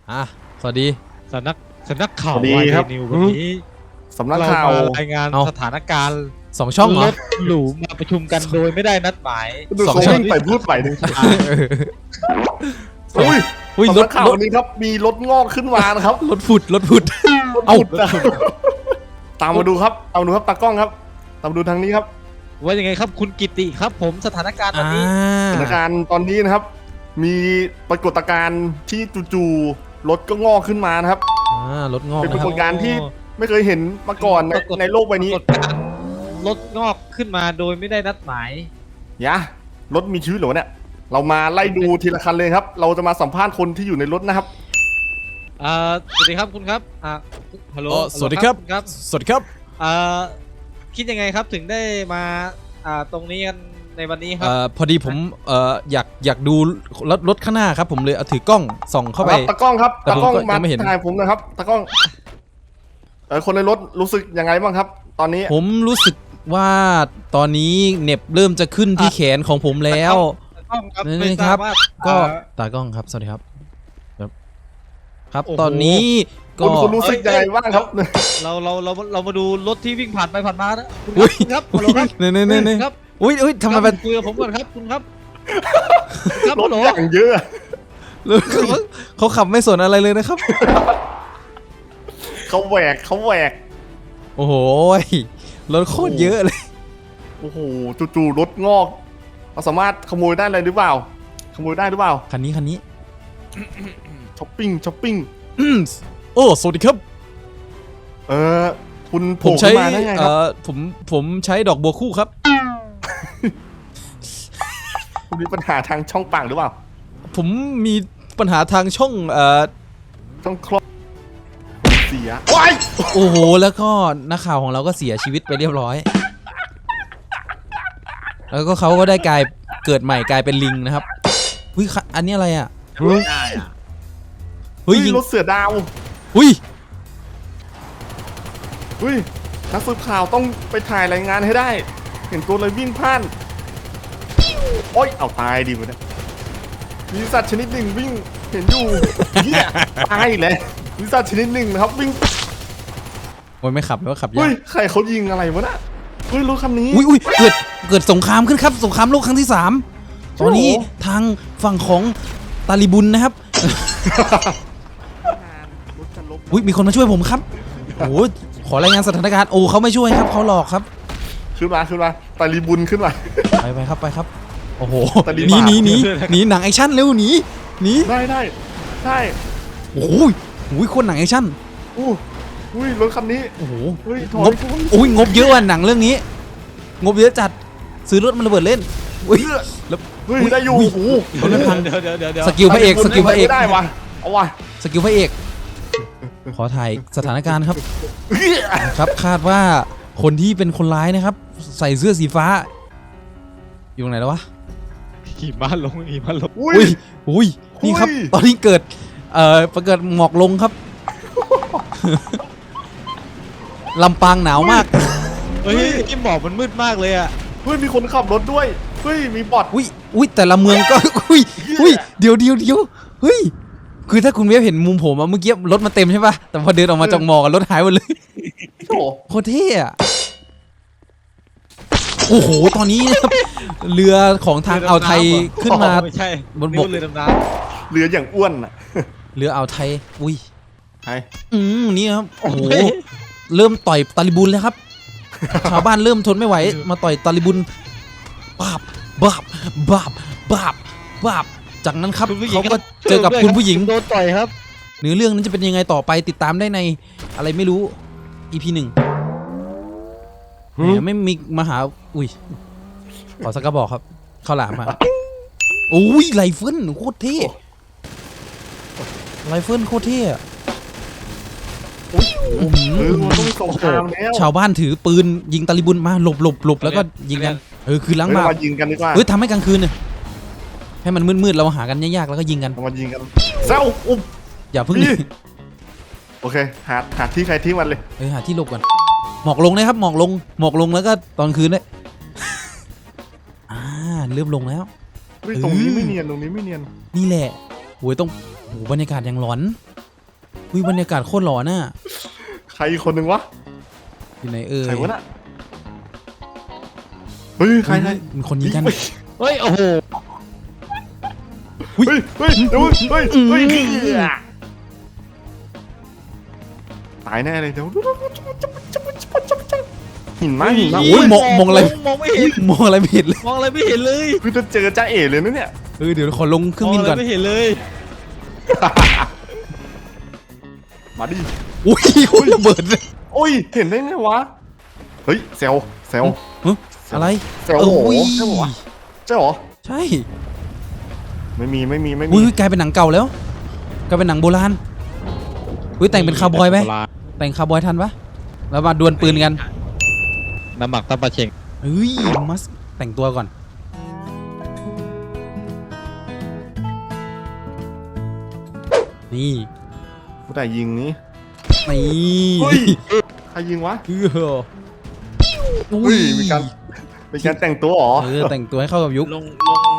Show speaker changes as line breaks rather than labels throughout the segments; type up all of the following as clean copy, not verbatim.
สวัสดี
สำนักข่าว
สวัสดีครับ
นิววันนี้
สำนักข่าว
เรมรายงานสถานการณ์
2 ช่องเหร
ร
อ
ถหรูมาประชุมกันโดยไม่ได้นัดหมาย
ดู
สอง
เขา
ช่อง
วิ่งไปพูดไปหนึ่ง
เออ อุ้ย
สำนักข่าววันนี้ครับมีรถงอกขึ้นมานะครับ
รถผุด
รถ
เอ้า
ผุดนะครับตามมาดูครับตามมาดูครับตากล้องครับตามมาดูทางนี้ครับ
ว่ายังไงครับคุณกิติครับ ผมสถานการณ์วันนี้
สถานการณ์ตอนนี้นะครับ มีปรากฏการณ์ที่จู่ๆรถก็งอกขึ้นมานะครับ
รถงอก
เป็นป
นะ
รา
ค
ก
รับ
ฏการณ์ที่ไม่เคยเห็นมาก่อนในโลกใบนี้
ปรากฏการณ์รถงอกขึ้นมาโดยไม่ได้นัดหมาย
ยะรถมีชีวิตเหรอเนี่ยเรามาไล่ดูทีละคันเลยครับ เราจะมาสัมภาษณ์คนที่อยู่ในรถนะครับ
สวัสดีครับคุณครับฮัลโหล
สวัสดีครับ
ครับ
สวัสดีครับ
คิดยังไงครับถึงได้มาตรงนี้กันในวันนี้ครับ
พอดีผมอยากดูรถข้างหน้าครับ ผมเลยเอาถือกล้องส่องเข้าไป
ตากล้องครับ
แต่
ตา
ผม
กล้อง
ก็
มา
ยังไม่เห็น
ถ่ายผมนะครับตากล้องคนในรถรู้สึกยังไงบ้างครับ ตอนนี้
ผมรู้สึกว่าตอนนี้เหน็บเริ่มจะขึ้นที่แขนของผมแล้ว
ต้องครับ
นี่
ไม่
ค
ท
รั
รา
บ
บว่า
ก็ตากล้องครับสวัสดีครับครับ
โอ้โห
ตอนนี้ก็
คุณรู้สึกยังไงบ้างครับ
เรามาดูรถที่วิ่งผ่านไปผ่านมานะคุณ
อุ้ย
ครับฮัลโหลครับ
เนี่ย
ครับ
อุ้ยทำไม
ค
เป็
รั
น
บคุยกับผมก่อนครับคุณครับครับ
ร
ฮั
ถ
ลโหล
อย่างเยอะ
เขาขับไม่สนอะไรเลยนะครับ
เขาแหวก
โอ้โหรถโคตรเยอะเลย
โอ้โหจู่ๆรถงอกเราสามารถขโมยได้เลยหรือเปล่าขโมยได้หรือเปล่า
คันนี้
ช้อปปิ้ง
โอ้สวัสดีครับ
คุณ
ผม
โผล่
ใช้
ขึ้นมาได้ไงครับ
ผมใช้ดอกบัวคู่ครับ
คุณมีปัญหาทางช่องปากหรือเปล่า
ผมมีปัญหาทางช่อง
ช่องคลอดเสียว้าย
โอ้โหแล้วก็นักข่าวของเราก็เสียชีวิตไปเรียบร้อย แล้วก็เขาก็ได้เกิดใหม่กลายเป็นลิงนะครับอุ้ยอันนี้อะไรอ่ะเฮ้ยยิง
รถเสือดาว
อุ้ย
นักสืบข่าวต้องไปถ่ายรายงานให้ได้ เห็นตัวเลยวิ่งผ่านโอ้ยเอาตายดิมันเนี่ยมีสัตว์ชนิดหนึ่งวิ่งเห็นอยู่เหี้ยตายแล้วมีสัตว์ชนิดหนึ่งนะครับวิ่ง
โอ้ยไม่ขับแล้วขับ
เฮ้
ยาย ก
ใครเขายิงอะไรวะน่ะรถคันนี้
อุ้ยเกิดสงครามขึ้นครับสงครามโลกครั้งที่ 3 ตอนนี้ทางฝั่งของตาลิบุนนะครับ
รถจะลบ
อุ้ยมีคนมาช่วยผมครับโอ้โหขอรายงานสถานการณ์โอ้เขาไม่ช่วยครับเขาหลอกครับ
ขึ้นมาตาลีบุญขึ้นมา
ไปครับโอ้โห
ตาลี
หนี
บาป
หนีหนังแอคชั่นเร็วหนี
ได้
โอ้โหโคตรหนังแอคชั่น
อุ้ยรถคันนี้
โอ้โห
เฮ้ยถ
ง
อย
บอุ้ยงบเยอะว่ะหนังเรื่องนี้ งบเยอะจัดซื้อรถมันระเบิดเล่นอุ้ยแล้ว
เฮ้ยได้อยู่
อุ้ย
โอ้โห
รถมันพัง
เดี๋ยว
สกิลพระเอกสกิลพระเอก
ไม่ได้วะเอาวะ
สกิลพระเอกขอถ่ายสถานการณ์ครับ ครับคาดว่าคนที่เป็นคนร้ายนะครับ ใส่เสื้อสีฟ้า อยู่ตรงไหนแล้ววะ
หิมะลง
อุ้ยนี่ครับ ตอนนี้เกิดประเกิดหมอกลงครับ ลำปางหนาวมาก
เฮ้ยที่หมอกมันมืดมากเลยอ่ะ
เฮ้ยมีคนขับรถด้วยเฮ้ยมีบอท
อุ้ยแต่ละเมืองก็ อุ้ยเดี๋ยวเฮ้ยคือถ้าคุณเวฟเห็นมุมผมอะเมื่อกี้รถมาเต็มใช่ป่ะแต่พอเดินออกมาจากหมอกรถหายหมดเลย
โอ้โห
โคตรเท่อะโอ้โหตอนนี้นะครับเรือของทางอ่าวไทยขึ้นมา
ไม่ใช่
บนบก
เรือดำน้
เรืออย่างอ้วนอ่ะ
เรืออ่าวไทยอุ้ย
ใช่
นี่ครับโอ้โหเริ่มต่อยตาลิบุนแล้วครับ ชาวบ้านเริ่มทนไม่ไหวมาต่อยตาลิบุนบาบจากนั้นครับ
ำคุณผู้หญิง
เขาก็เจอกับคุณผู้หญิง
โดนต่อยครับ
เนื้อเรื่องนั้นจะเป็นยังไงต่อไปติดตามได้ในอะไรไม่รู้ EP 1ไม่มีมาหาอุ้ยขอสักกระบอกครับข้าวหลามมาโอ้ยไรเฟิลโคตรเท่ไรเฟิลโคตรเท่อะ
มันต้องมีสงครามแล้ว
ชาวบ้านถือปืนยิงตาลิบุนมาหลบแล้วก็ยิงกันคือล้าง
เฮ้ย
บาป
มายิงกันดีกว่า
ทำให้กลางคืนเนี่ยให้มันมืดๆเราหากันยากๆแล้วก็ยิงกัน
มายิงกันเซ้าอุ้ม
อย่าเพิ่ง
โอเคหาที่ใครที่มันเลย
หาที่หลบก่อนหมอกลงนะครับหมอกลงแล้วก็ตอนคืนด้วยเริ่มลงแล้ว
เฮ้ยตรงนี้ไม่เนียน
นี่แหละโอ้ยต้องบรรยากาศอย่างหลอนอุ้ยบรรยากาศโคตรหล่อน่ะ
ใครอีกคนหนึ่งวะ
อยู่ไหนเอ่ย
ใครวะน่ะเฮ้ยใคร
มันคนยิงกัน
เฮ้ยโอ้โห
เฮ้ยเฮ้ยเฮ้ยเฮ้ยเฮ้ยตายแน่เลยเดี๋ยวหินไหมหินไหม
โอ้ยมองอะไร
มองไม่เห็น
มองอะไรไม่เห็นเลย
มองอะไรไม่เห็นเลย
คือจะเจอจ้าเอ๋เลยนะเนี่ย
เดี๋ยวขอลงเครื่อง
มอง
บิน
อะไร
ก่อน
ไม่เห็นเลย
มาดิ
อุ้ยระเบิดเลย
โอ้ยเห็นได้ไงวะเฮ้ยเซลเซล
ฮะอะไร
เซลโอ้โห
อุ้ย
ใช่ปะวะใช่เหรอ
ใช่
ไม่มี
อุ้ยกลายเป็นหนังเก่าแล้วกลายเป็นหนังโบราณอุ้ยแต่งเป็นคาวบอยไหมแต่งคาวบอยทันปะแล้วมาดวลปืนกัน
น้ำหมักตับปลาเชง
เฮ้ยมัสแต่งตัวก่อนนี่
ผู้ใดยิงนี้
นี่
เฮ้ยใครยิงวะ
อุ้
อุ้
ย
ยมีการแต่งตัวเหรอ
แต่งตัวให้เข้ากับยุค
ลง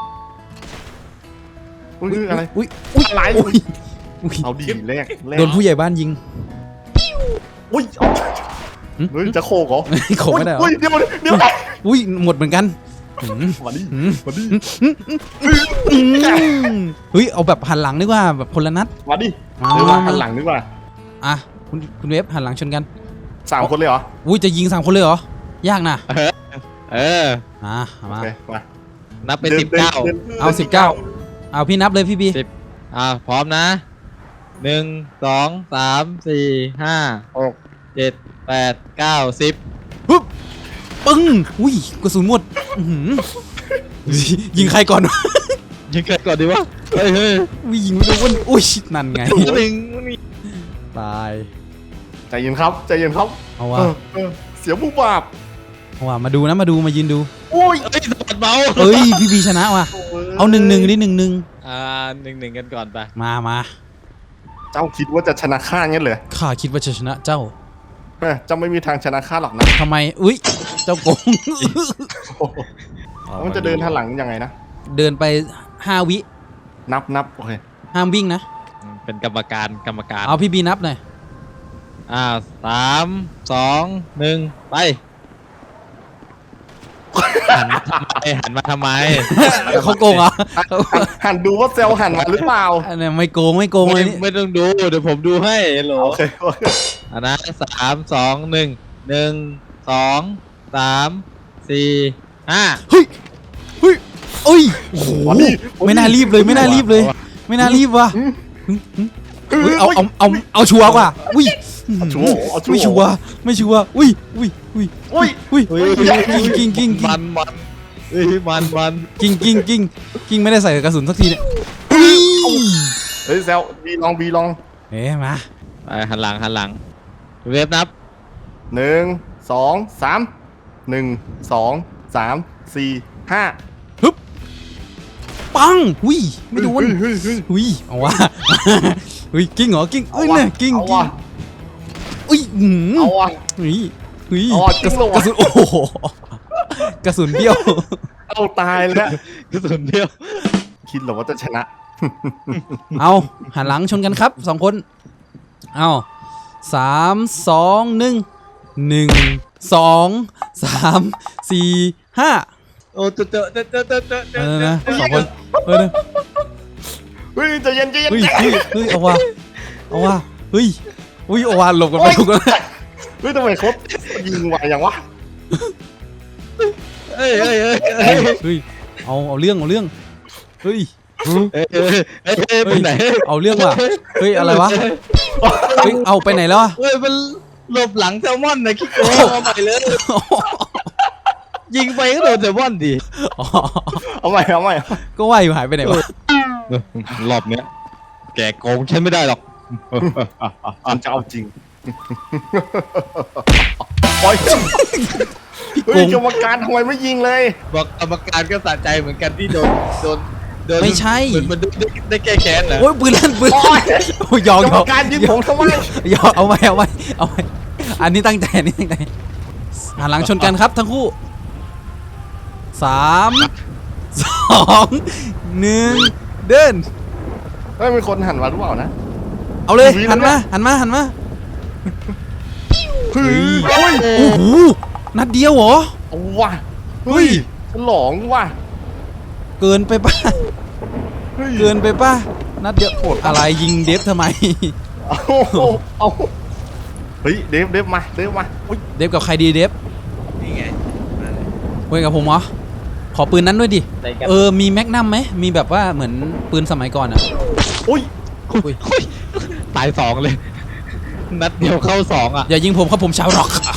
อุ้ยอะไร
อุ้ย
อะไร
อุ้ยอุ้ย
เอาดีแรก
โดนผู้ใหญ่บ้านยิง
อุ้ยเฮ้ยจะโคกเหรอ
โขกไม่ได้เหรอ
อุ้ยเดี๋ยว
อุ้ยหมดเหมือนกัน
มาดิ
หืม
มาดิ
เฮ้ยเอาแบบหันหลังดีกว่าแบบคนละนัด
มาดิ
มา
เดี๋ยวว่าหันหลังดีกว่า
อ่ะคุณเวฟหันหลังชนกัน
3 คนเลยเหรอ
อุ้ยจะยิง3 คนเลยเหรอ ยากนะ
เออ
อ่ะ
โอ
มา
เคมา
นับเป็น
ดิน
19
ดิน
เอา19เอาพี่นับเลยพี่บี
พร้อมนะ1 2 3 4 5 6 7 8 9 10
ปึ๊บปึ้งอุ้ยกระสุนหมดอื้อหือยิงใครก่อนวะ
ยิงเกิดก่อนดีวะเฮ้ย
อุ้ยยิงไม่โดนอุ้ยนั่นไง
หนึ่งนี่
ตาย
ใจเย็นครับใจเย็นครับ
เอาว่ะ
เสียบุบบาป
เอาว่ะมาดูนะมายืนดู
อุ้ย
เฮ้ยสะบัดเบา
เอ้ยพี่บีชนะว่ะเอา1-1ดิ1-1
1-1กันก่อนไป
มา
เจ้าคิดว่าจะชนะข้างั้นเลย
ข้าคิดว่าจะชนะเจ้า
เจ้าไม่มีทางชนะข้าหรอกนะ
ทำไมอุ้ยเจ้าโกง
มันจะเดินทันหลังยังไงนะ
เดินไป5 วิ
นับโอเค
ห้ามวิ่งนะ
เป็นกรรมการ
เอาพี่บีนับหน่อย
3 2 1ไปหันมาทำไม
เขาโกงเหรอ
หันดูว่าเซลหันมาหรือเปล่า
อันนี้ไม่โกงเลยนี่
ไม่ต้องดูเดี๋ยวผมดูให้โหล
โอเคโอเค
นะ3 2 1 1 2 3 4 5
เฮ้ยเอ้ยโอ้โหไม่น่ารีบเลยไม่น่ารีบว่ะเฮ้ยเอาชัวร์กว่าอุ้ย
ชัวร์เอาชัวร์
ไม่ชัวร์อุ้ยกิ้ง
มัน
กิ้งไม่ได้ใส่กระสุนสักทีเนี่ย
เฮ้ยเซลบีลอง
เอ๊ะมา
ไปหันหลังเวฟนับ
1 2 3 1 2 3 4 5
ปังอุ้ยไม่โดน
เฮ้ย
อุ้ยเอาวะอุ้ยกิ้งเหรอกิ้งเอ้ยเนี่ยกิ้ง
เอาว่ะ
อุ้ย
เอาว่ะ
อุ้ย
เอาว่ะ
กระ
กิ้งลง
สุ
ว่ะ
นโอ้โหกระสุนเบี้ยว
เอาตายแล้ว
กระสุนเดียว
คิดเหรอว่าจะชนะ
เอาหันหลังชนกันครับ2 คนเอา3 2 1 1 2 3 4 5
โอ้เจอ
นะ2 คนนะ
เฮ้ยใจเย็น
เฮ้ยเอาว่ะเฮ้ยเอาว่ะหลบกันไปถูกกัน
เฮ้ยทำไมเขายิงไวอย่างวะ
เฮ้ย
เอาเรื่องเฮ้ย
ไปไหน
เอาเรื่องว่ะเฮ้ยอะไรวะเฮ้ยเอาไปไหนแล้วอะ
เฮ้ยมันหลบหลังแซลมอนนะคิดโก้เอาใหม่เลยยิงไปก็โดนแซลมอนดิ
อ๋อ
เอาใหม่
ก็ว่าอยู่หายไปไหนวะ
รอบเนี้ยแกโกงฉันไม่ได้หรอก
ฉันจะเอาจริงโอ้ยเฮ้ยกรรมการทำไมไม่ยิงเลย
บอกกรรมการก็สะใจเหมือนกันที่โดน
ไม่ใช่
เหมือนมันได้แก้แค้นเหรอ
โอ้ยปืนลั่นโอ้ยยอก
กรรมการยิงผมทำไม
เอาไว้อันนี้ตั้งใจหันหลังชนกันครับทั้งคู่3 2 1เดิน
เฮ้ยมีคนหันมาหรือเปล่านะ
เอาเลย
มี
หัน
แล้ว
หันมา
เฮ้ยโอ้ย
โอ้โหนัดเดียวเหรอ
เอาว่ะ
เฮ้ย
ฉลองว่ะ
เกินไปป่ะ
เฮ้ย
เกินไปป่ะนัดเดียว
โหดปะ
อะไรยิงเดฟทำไม
เอาเฮ้ยเดฟมาอุ๊ย
เดฟกับใครดีเดฟ
นี่ไงมาเลย
คุยกับผมเหรอขอปืนนั้นด้วยดิ
ได้กัน
มีแม็กนัมไหมมีแบบว่าเหมือนปืนสมัยก่อนอะ
อุ้ย
อุ้ย
ตาย 2เลย นัดเดียวเข้า 2 อ่ะ
อย่ายิงผมครับผมชาวร็อก